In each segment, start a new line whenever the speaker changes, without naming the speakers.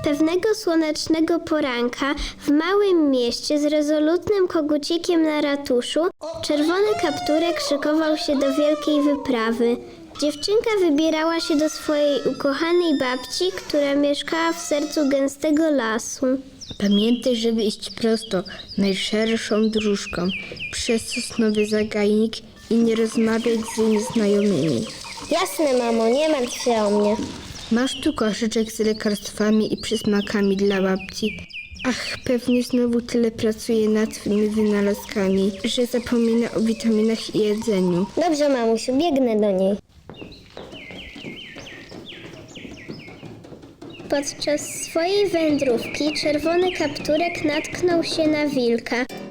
Pewnego słonecznego poranka w małym mieście z rezolutnym kogucikiem na ratuszu czerwony kapturek szykował się do wielkiej wyprawy. Dziewczynka wybierała się do swojej ukochanej babci, która mieszkała w sercu gęstego lasu.
Pamiętaj, żeby iść prosto, najszerszą dróżką, przez sosnowy zagajnik i nie rozmawiać z nieznajomymi.
Jasne, mamo, nie martw się o mnie.
Masz tu koszyczek z lekarstwami i przysmakami dla babci. Ach, pewnie znowu tyle pracuje nad twymi wynalazkami, że zapomina o witaminach i jedzeniu.
Dobrze, mamusiu, biegnę do niej. Podczas swojej wędrówki czerwony kapturek natknął się na wilka.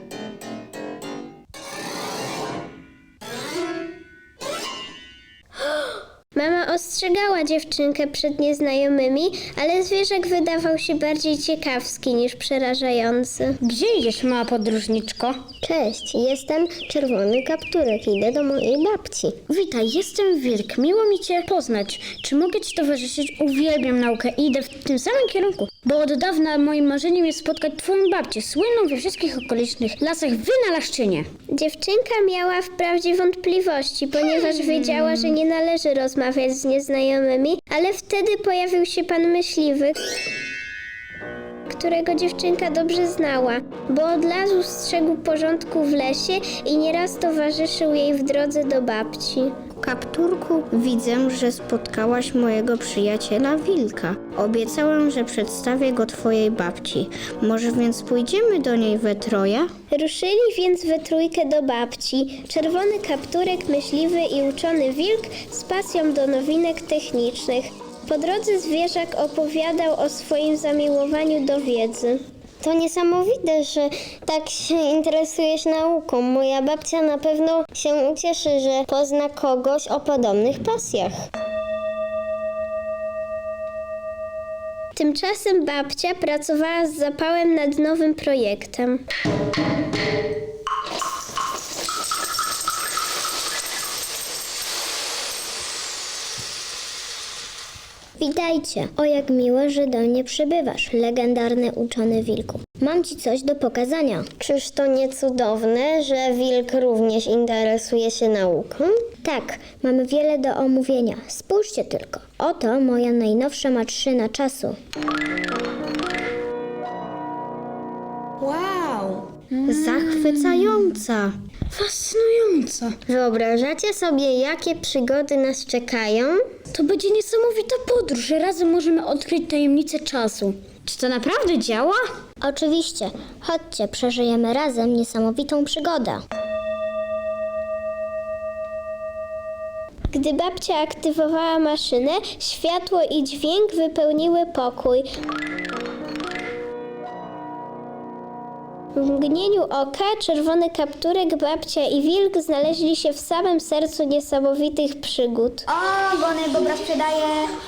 Mama ostrzegała dziewczynkę przed nieznajomymi, ale zwierzak wydawał się bardziej ciekawski niż przerażający.
Gdzie idziesz, mała podróżniczko?
Cześć, jestem czerwony kapturek, idę do mojej babci.
Witaj, jestem Wilk. Miło mi Cię poznać. Czy mogę Ci towarzyszyć? Uwielbiam naukę i idę w tym samym kierunku, bo od dawna moim marzeniem jest spotkać Twoją babcię, słynną we wszystkich okolicznych lasach wynalazczynię.
Dziewczynka miała wprawdzie wątpliwości, ponieważ wiedziała, że nie należy rozmawiać z nieznajomymi, ale wtedy pojawił się pan myśliwy, którego dziewczynka dobrze znała, bo od razu strzegł porządku w lesie i nieraz towarzyszył jej w drodze do babci.
Kapturku, widzę, że spotkałaś mojego przyjaciela Wilka. Obiecałem, że przedstawię go twojej babci. Może więc pójdziemy do niej we troje?
Ruszyli więc we trójkę do babci. Czerwony kapturek, myśliwy i uczony wilk z pasją do nowinek technicznych. Po drodze zwierzak opowiadał o swoim zamiłowaniu do wiedzy. To niesamowite, że tak się interesujesz nauką. Moja babcia na pewno się ucieszy, że pozna kogoś o podobnych pasjach. Tymczasem babcia pracowała z zapałem nad nowym projektem. Witajcie. O, jak miło, że do mnie przybywasz, legendarny uczony wilku. Mam ci coś do pokazania. Czyż to nie cudowne, że wilk również interesuje się nauką? Tak, mamy wiele do omówienia. Spójrzcie tylko. Oto moja najnowsza maszyna czasu.
Wow! Zachwycająca!
Fascynująca.
Wyobrażacie sobie, jakie przygody nas czekają?
To będzie niesamowita podróż, że razem możemy odkryć tajemnicę czasu. Czy to naprawdę działa?
Oczywiście. Chodźcie, przeżyjemy razem niesamowitą przygodę. Gdy babcia aktywowała maszynę, światło i dźwięk wypełniły pokój. W mgnieniu oka czerwony kapturek, babcia i wilk znaleźli się w samym sercu niesamowitych przygód.
O, Bony Bobra sprzedaje.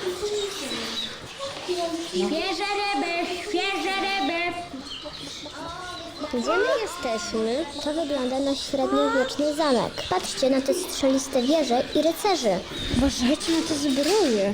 Świeże ryby.
Gdzie my jesteśmy? To wygląda na średniowieczny zamek. Patrzcie na te strzeliste wieże i rycerzy.
Uważajcie na te zbroje.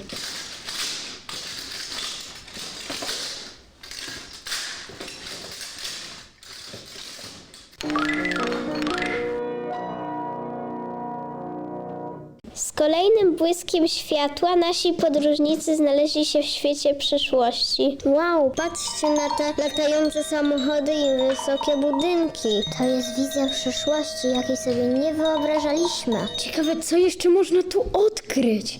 Z kolejnym błyskiem światła nasi podróżnicy znaleźli się w świecie przyszłości. Wow, patrzcie na te latające samochody i wysokie budynki. To jest wizja przyszłości, jakiej sobie nie wyobrażaliśmy.
Ciekawe, co jeszcze można tu odkryć.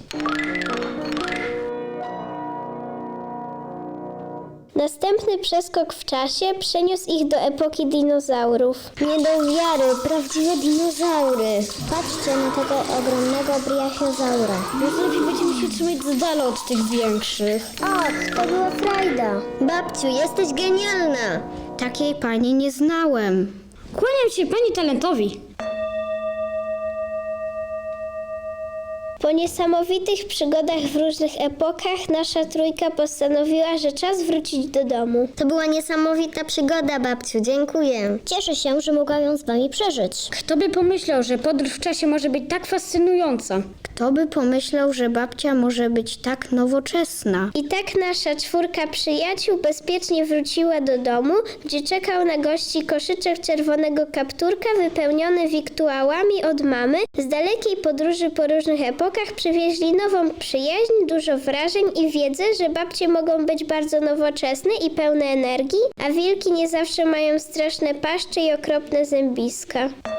Następny przeskok w czasie przeniósł ich do epoki dinozaurów. Nie do wiary, prawdziwe dinozaury. Patrzcie na tego ogromnego brachiozaura.
Może lepiej będziemy się trzymać z dala od tych większych.
Och, to była frajda. Babciu, jesteś genialna.
Takiej pani nie znałem.
Kłaniam się pani talentowi.
Po niesamowitych przygodach w różnych epokach nasza trójka postanowiła, że czas wrócić do domu.
To była niesamowita przygoda, babciu. Dziękuję. Cieszę się, że mogłam ją z wami przeżyć.
Kto by pomyślał, że podróż w czasie może być tak fascynująca?
Kto by pomyślał, że babcia może być tak nowoczesna?
I tak nasza czwórka przyjaciół bezpiecznie wróciła do domu, gdzie czekał na gości koszyczek czerwonego kapturka wypełniony wiktuałami od mamy. Z dalekiej podróży po różnych epokach przywieźli nową przyjaźń, dużo wrażeń i wiedzę, że babcie mogą być bardzo nowoczesne i pełne energii, a wilki nie zawsze mają straszne paszcze i okropne zębiska.